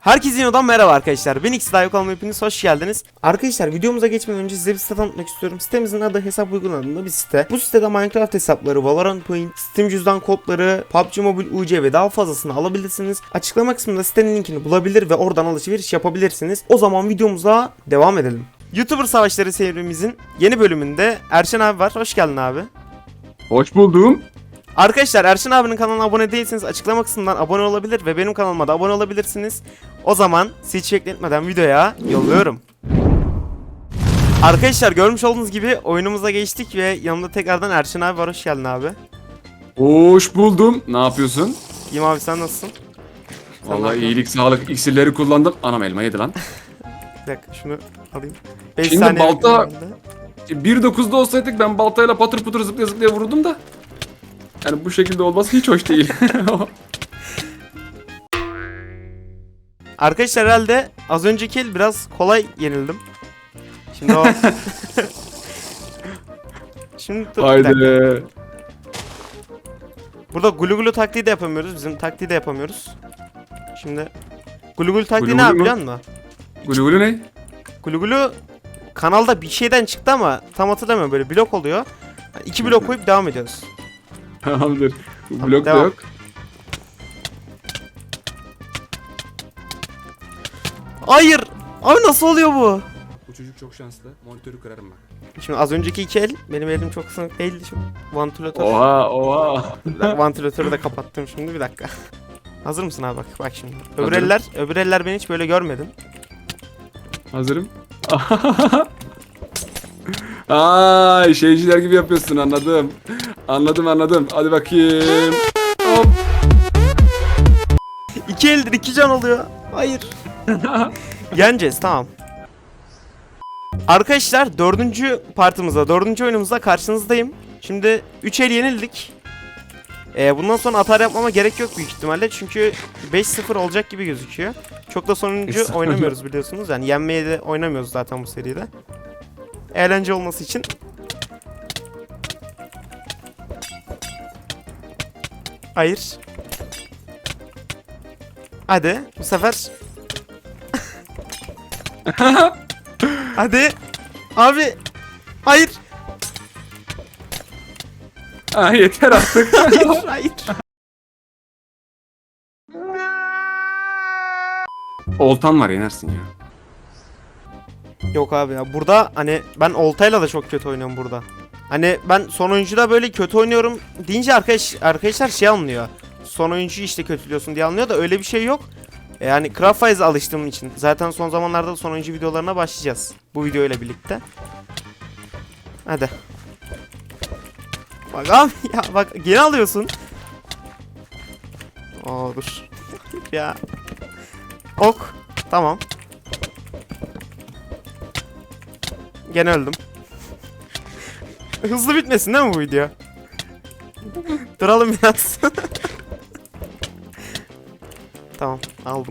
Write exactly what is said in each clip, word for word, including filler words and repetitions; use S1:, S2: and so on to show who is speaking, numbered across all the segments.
S1: Herkese yeniden merhaba arkadaşlar. Ben X Daha kanalıma hepiniz hoş geldiniz. Arkadaşlar videomuza geçmeden önce size bir site tanıtmak istiyorum. Sitemizin adı Hesap Uygun adında bir site. Bu sitede Minecraft hesapları, Valorant Point, Steam cüzdan kodları, P U B G Mobile U C ve daha fazlasını alabilirsiniz. Açıklama kısmında sitenin linkini bulabilir ve oradan alışveriş yapabilirsiniz. O zaman videomuza devam edelim. YouTuber Savaşları serimizin yeni bölümünde Erşen abi var. Hoş geldin abi.
S2: Hoş buldum.
S1: Arkadaşlar Erşen abinin kanalına abone değilseniz açıklama kısmından abone olabilir ve benim kanalıma da abone olabilirsiniz. O zaman sizi hiç bekletmeden videoya yolluyorum. Arkadaşlar görmüş olduğunuz gibi oyunumuza geçtik ve yanımda tekrardan Erşen abi var. Hoş geldin abi.
S2: Hoş buldum. Ne yapıyorsun?
S1: İyiyim abi, sen nasılsın? Sen
S2: Vallahi iyilik, sağlık iksirleri kullandım. Anam elma yedi lan.
S1: Bir dakika şunu alayım. beş
S2: Şimdi
S1: saniye
S2: balta-
S1: bekliyorum
S2: bir dokuzda olsaydık ben baltayla patır putur zıplaya zıplaya vururdum da. Yani bu şekilde olması hiç hoş değil.
S1: Arkadaşlar herhalde az önceki el biraz kolay yenildim. Şimdi o... Şimdi dur, bir dakika.
S2: Haydi.
S1: Burada gulu gulu taktiği de yapamıyoruz. Bizim taktiği de yapamıyoruz. Şimdi gulu gulu taktiği
S2: Gulu
S1: ne
S2: gulu
S1: abi
S2: mu?
S1: biliyor musun?
S2: Gulu gulu ne?
S1: Gulu gulu kanalda bir şeyden çıktı ama tam hatırlamıyorum, böyle blok oluyor. Yani iki blok koyup devam ediyoruz.
S2: Tamamdır. Bu
S1: Tamam,
S2: blok da
S1: devam.
S2: yok.
S1: Hayır! Abi nasıl oluyor bu?
S2: Bu çocuk çok şanslı. Monitörü kırarım bak.
S1: Şimdi az önceki iki el benim elim çok sınık değildi şimdi. Vantilatör.
S2: Oha oha.
S1: Vantilatörü de kapattım şimdi, bir dakika. Hazır mısın abi, bak bak şimdi. Öbür
S2: Hazırım.
S1: eller, öbür eller ben hiç böyle görmedim.
S2: Hazırım. Ay şeyciler gibi yapıyorsun, anladım. Anladım anladım. Hadi bakayım. Hop.
S1: İki eldir iki can oluyor. Hayır. Yeneceğiz, tamam. Arkadaşlar dördüncü partımızda, dördüncü oyunumuzda karşınızdayım. Şimdi üç el yenildik. Ee, bundan sonra atar yapmama gerek yok büyük ihtimalle. Çünkü beş sıfır olacak gibi gözüküyor. Çok da sonuncu oynamıyoruz biliyorsunuz. Yani yenmeye de oynamıyoruz zaten bu seride. Eğlence olması için. Hayır. Hadi bu sefer. Hadi. Abi. Hayır.
S2: Ah, yeter artık.
S1: Hayır. Hayır.
S2: Oltan var, yenersin ya.
S1: Yok abi ya, burada hani ben oltayla da çok kötü oynuyorum burada. Hani ben son oyuncuda böyle kötü oynuyorum deyince arkadaş arkadaşlar şey anlıyor. Son oyuncuyu işte kötülüyorsun diye anlıyor da öyle bir şey yok. Yani Craftwise'a alıştığım için. Zaten son zamanlarda da son oyuncu videolarına başlayacağız. Bu video ile birlikte. Hadi. Bak abi ya, bak geri alıyorsun. Oo dur. Ya. Ok. Tamam. Gene öldüm. Hızlı bitmesin değil mi bu video? Duralım biraz. Tamam, aldım.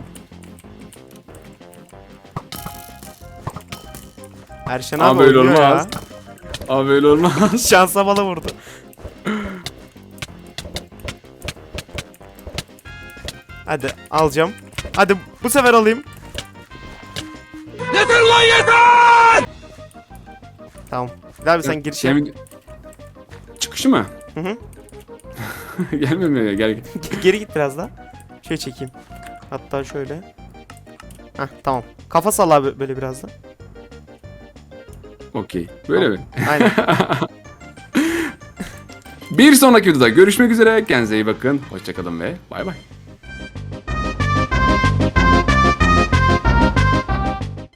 S1: Erşen abi,
S2: Abi öyle
S1: oynuyor ya.
S2: olmaz. Abi öyle olmaz.
S1: Şansa bala vurdu. Hadi alacağım. Hadi bu sefer alayım.
S2: Yeter lan yeter!
S1: Tamam. Abi sen giriş yap.
S2: Şey, çıkışı mı?
S1: Hı hı.
S2: Gelmiyor ya, gel git.
S1: Geri git biraz daha. Şöyle çekeyim. Hatta şöyle. Heh, tamam. Kafa sal abi böyle biraz da.
S2: Okey. Böyle
S1: Tamam.
S2: mi?
S1: Aynen.
S2: Bir sonraki videoda görüşmek üzere. Kendinize iyi bakın. Hoşçakalın ve bay bay.